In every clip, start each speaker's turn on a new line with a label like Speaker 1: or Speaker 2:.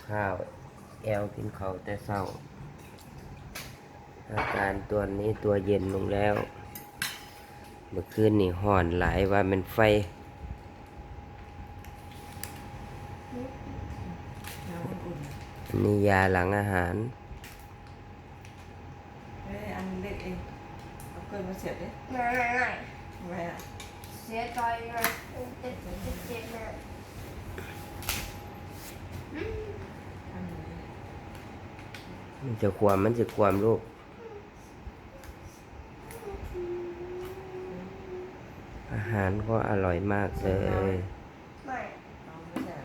Speaker 1: ข้าวแอลกินข้าวแต่เช้าอาการตัวนี้ตัวเย็นลงแล้วเมื่อคืนนี่ห่อนหลายว่ามันไฟ
Speaker 2: น้ำอุ่น
Speaker 1: อันนี้ยาหลังอาหาร
Speaker 2: ๆอันเล็กเองเอาเกินมาเสียบดิ
Speaker 3: ไม่
Speaker 2: ทำไมอ่ะ
Speaker 3: เสียใจนะเจ็บนะ
Speaker 2: อันนี้
Speaker 1: มันจะความลูกอาหารก็อร่อยมากเลย
Speaker 3: ไม่
Speaker 2: เอาไม่ใช่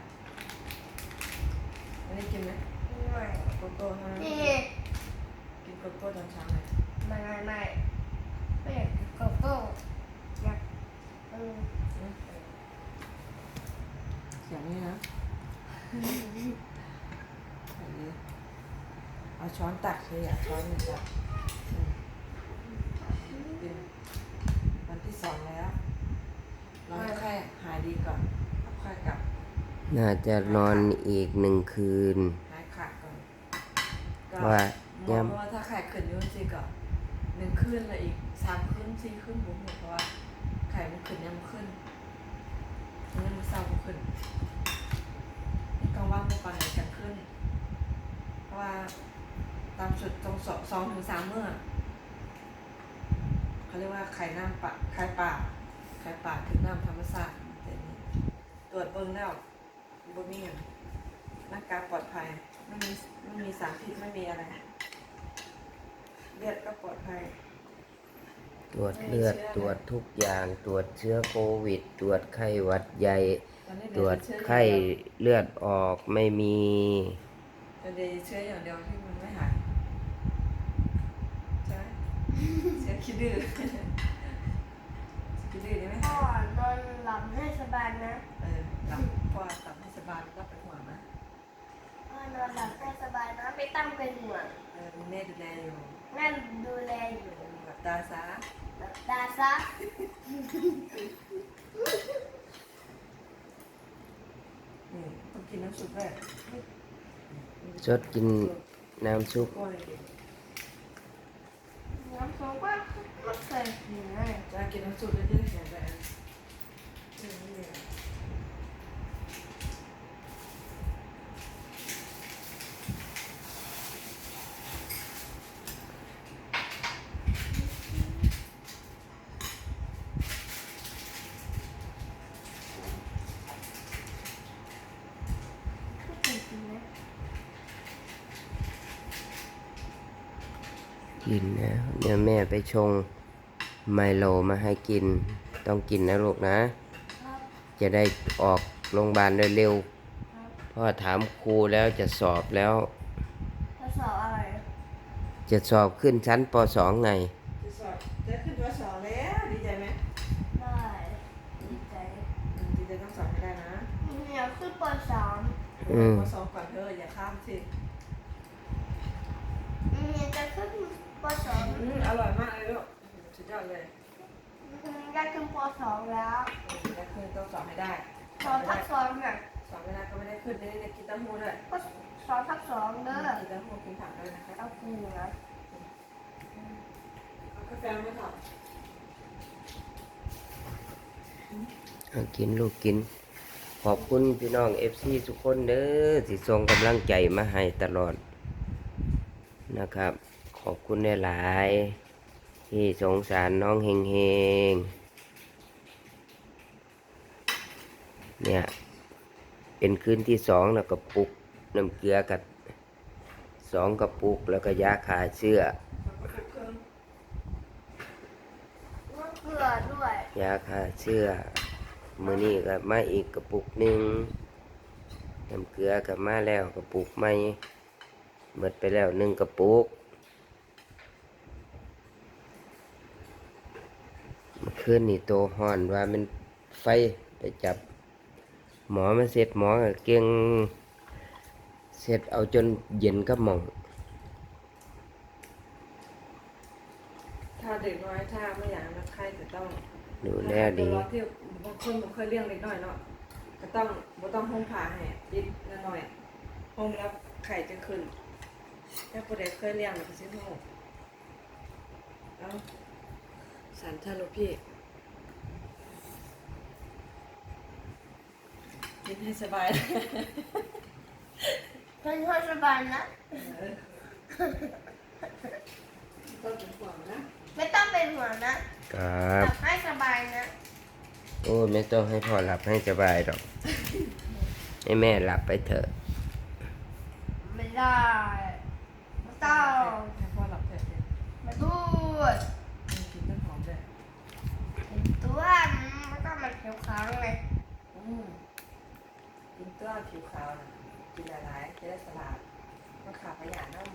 Speaker 2: อันนี้กินไหม
Speaker 3: ไม่
Speaker 2: โกโก้ฮะ
Speaker 3: นี่
Speaker 2: กินโกโก้ตอนเช้าไหม
Speaker 3: ไม่อยากกินโกโก้อยาก
Speaker 2: เสียงนี้นะอันนี้เอาช้อนตักเลยอ่ะช้อนหนึ่งตักเป็นวันที่สองแล้วรอให้ไข้หายดีก่อนแล้วค่อยกลับ
Speaker 1: น่าจะนอนอีก1 คืน
Speaker 2: หายขาดก่อนก็
Speaker 1: ว่า
Speaker 2: หมอว่าถ้าไข้ขึ้นยุ่งสิก็1 คืนแล้วอีก3 คืน4 คืนบุ๋มเพราะว่าไข้มันขึ้นยังมันขึ้นยังมันเศร้ามันขึ้นนี่กลางวันมันก่อนไหนกันขึ้นเพราะว่าตามสุดตรง2 ถึง 3 มื้อเขาเรียกว่าไข่น้ำปะไข่ป่าถึงน้ำธรรมชาติแต่นี่ตรวจเบิ่งแล้วบ่มีอย่างร่างกายปลอดภัยไม่มีสารพิษไม่มีอะไรเลือดก็ปลอดภัย
Speaker 1: ตรวจเลือดตรวจทุกอย่างตรวจเชื้อโควิด ตรวจไข้หวัดใหญ่
Speaker 2: ตอนนี้
Speaker 1: ตรวจไข้เลือดออกไม่มี
Speaker 2: แต่เดี๋ยวเชื้ออย่างเดียวที่มันไม่หายใช่ไหมเชื้อขี้ดื้อขี้ดื้อได้ไหม
Speaker 3: พ่อนอนหลับให้สบายนะ
Speaker 2: หลับพอหลับให้สบายก็เป็นห่วงนะ
Speaker 3: พ่อนอนหลับให้สบายนะไม่ต้องเป็นห่วง
Speaker 2: มีแม่ดูแลอยู่
Speaker 3: แม่ดูแลอยู่
Speaker 2: หลับตาซะ
Speaker 3: หลับตาซะ
Speaker 2: นี่ต้องกินน้ำซุปด้วย
Speaker 1: สดกินน้ำซุป
Speaker 2: ก้อยเด็ก
Speaker 3: น้ำส้มก็ไม่เคยกินเลย
Speaker 2: จะกินน้ำซุปได้ด้วยแข็งแรงนี่
Speaker 3: ไม่เคยกินนะ
Speaker 1: กินนะเดี๋ยวแม่ไปชงไมโลมาให้กิน ต้องกินนะลูกนะ
Speaker 3: ครับ
Speaker 1: จะได้ออกโรงพยาบาลเร็ว
Speaker 3: ครับ
Speaker 1: ๆเพราะว่าถามครูแล้วจะสอบแล้ว
Speaker 3: ทดสอบอะไร
Speaker 1: จะสอบขึ้นชั้นป .2 ไง
Speaker 2: จะสอบจะขึ้นตัวสองแล้วดีใจไหม
Speaker 3: ได้ดีใจ
Speaker 2: ดีใจต้องสอบให้ได้นะ
Speaker 3: อยากขึ้นป .3
Speaker 2: ปสองก่อนเธออย่าข้ามสิ
Speaker 3: จะขึ้นป
Speaker 2: อร่อยมากเลยลูกสุดยอดเลย
Speaker 3: .2 อยากขึ้นป .2 แล้ว
Speaker 2: ได้ขึ้นต้องสอบให้ได้
Speaker 3: สอนทับสองเนี่ย
Speaker 2: สอบไม่ได้ก็ไม่ได้ขึ้นได้กินเต้าหู้ด้วย
Speaker 3: ก็สอนทับสองเด้อ
Speaker 2: กินเต้าหู้กินผักด้วยนะคะ
Speaker 3: เอาคูนะ
Speaker 2: เอากาแฟไม่ถอด
Speaker 1: เอากินลูกกิน ขอบคุณพี่น้อง FC ทุกคนเด้อที่ส่งกำลังใจมาให้ตลอดนะครับ ขอบคุณหลายๆที่สงสารน้องเฮงเฮงเนี่ยเป็นคืนที่2แล้วก็ปุกน้ำเกลือกับ2 กระปุกแล้วก็ยาฆ่าเชื้อ
Speaker 3: น้ำเกลือด้วย
Speaker 1: ยาฆ่าเชื้อมื้อนี้ก็มาอีกกระปุกหนึ่งน้ำเกลือก็มาแล้วกระปุกใหม่หมดไปแล้ว1 กระปุกเมื่อคืนนี่โตฮ้อนว่ามันไฟไปจับหมอมาเสร็จหมอก็เก่งเสร็จเอาจนเย็นก็หมอง
Speaker 2: ถ้าเด็กน้อยถ้าไม่อยากนักไข้จะต้อง
Speaker 1: ดูแลดี
Speaker 2: ที่บางคนผมเคยเลี้ยงเด็กน้อยเนาะก็ต้องบ่ต้องห้องผ่าให้ปิดหน่อยโฮมแล้วไข่จะขึ้นถ้าผู้ใดเคยเลี้ยงมันก็สิฮู้เอาสันทะลุพี่กินให้สบาย
Speaker 3: ฉันชอบสบายนะ
Speaker 2: ก็เป็นห่วงนะ
Speaker 3: ไม่ต้องเป็นห่วงนะครับ หลับให้สบายนะ
Speaker 1: โอ้ไม่ต้องให้พ่อหลับให้สบายหรอก ให้แม่หลับไปเถอะ
Speaker 3: ไม่ได้ไม่ต้อง
Speaker 2: ให้พ่อหลับเถอะเนี่ย
Speaker 3: มาดูด
Speaker 2: กินต้นหอมด้วย
Speaker 3: ตัวมันก็มันเขียวขาวไง
Speaker 2: กินตัวผิวขาวนะกินหลายๆจะได้สลาดมันขาดประหยัดน้ำ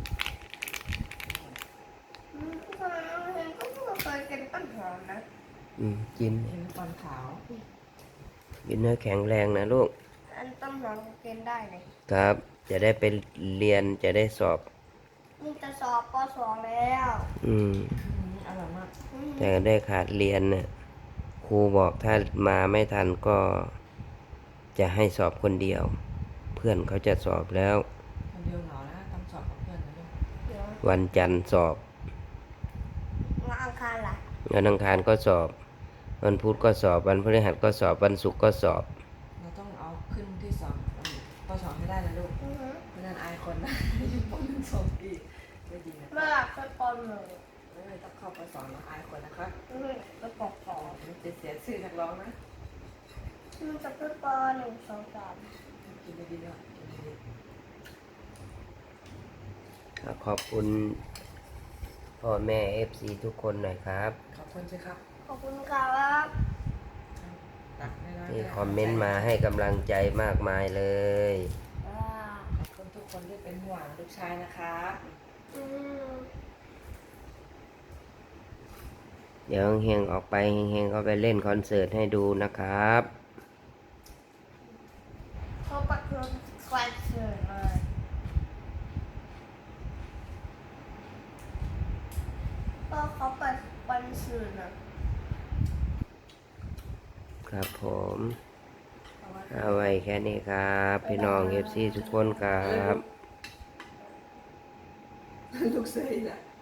Speaker 3: ทำไมน้องเฮงก็เพิ่งเคยกินต้นหอมนะ
Speaker 1: กิน
Speaker 2: เห็นตอนขาว
Speaker 1: กินเนื้อแข็งแรงนะลูก
Speaker 3: อันต้นหอมก็กินได้เลย
Speaker 1: ครับ จะได้ไปเรียนจะได้สอบ
Speaker 3: นี่จะสอบป .2 แล้ว
Speaker 2: อร่อยมาก
Speaker 1: แต่ได้ขาดเรียนน่ะครูบอกถ้ามาไม่ทันก็จะให้สอบคนเดียว เพื่อนเขาจะสอบแล้ว
Speaker 2: คนเดียวเหงานะต้องสอบกับเพื่อนนะลูก
Speaker 3: เดี๋ยว
Speaker 1: วันจันทร์สอบ
Speaker 3: วันอังคารล่ะ
Speaker 1: วันอังคารก็สอบ วันพุธก็สอบ วันพฤหัสก็สอบ วันศุกร์ก็สอบ
Speaker 2: เราต้องเอาขึ้นที่สองปสองให้ได้นะลูกไม่งั้นอายคนนะอยู่ปหนึ่งสองปีไม่ดีนะ
Speaker 3: เมื่อหลับไปป .1
Speaker 2: ไม่ต้องเข้าปสองแล้วอายคนนะครับ
Speaker 3: ไปป .2
Speaker 2: มันจะเสียชื่อนักร้องนะ
Speaker 3: มันจะขึ้นป .1 2 3
Speaker 2: กินดีๆด้วยกินดี
Speaker 1: ขอบคุณพ่อแม่เอฟซีทุกคนหน่อยครับ
Speaker 2: ๆขอบคุณสิครับ
Speaker 3: ขอบคุณครับ
Speaker 2: ตักให้ร้าน
Speaker 1: ที่
Speaker 2: ด้วย
Speaker 1: คอมเมนต์มาให้กำลังใจมากมายเลย
Speaker 2: ขอบคุณทุกคนที่เป็นห่วงลูกชายนะครับ
Speaker 3: อืม
Speaker 1: เดี๋ยวเฮงๆออกไปเฮงๆเขาไปเล่นคอนเสิร์ตให้ดูนะครับ
Speaker 3: เขาประกวดคอนเสิร์ตเลยก็เขาเปิดคอนเสิร์ตนะครับ
Speaker 1: ผมเอาไว้แค่นี้ครับ พี่น้องเอฟซีทุกคนครับ
Speaker 2: ลูกเซยแหละ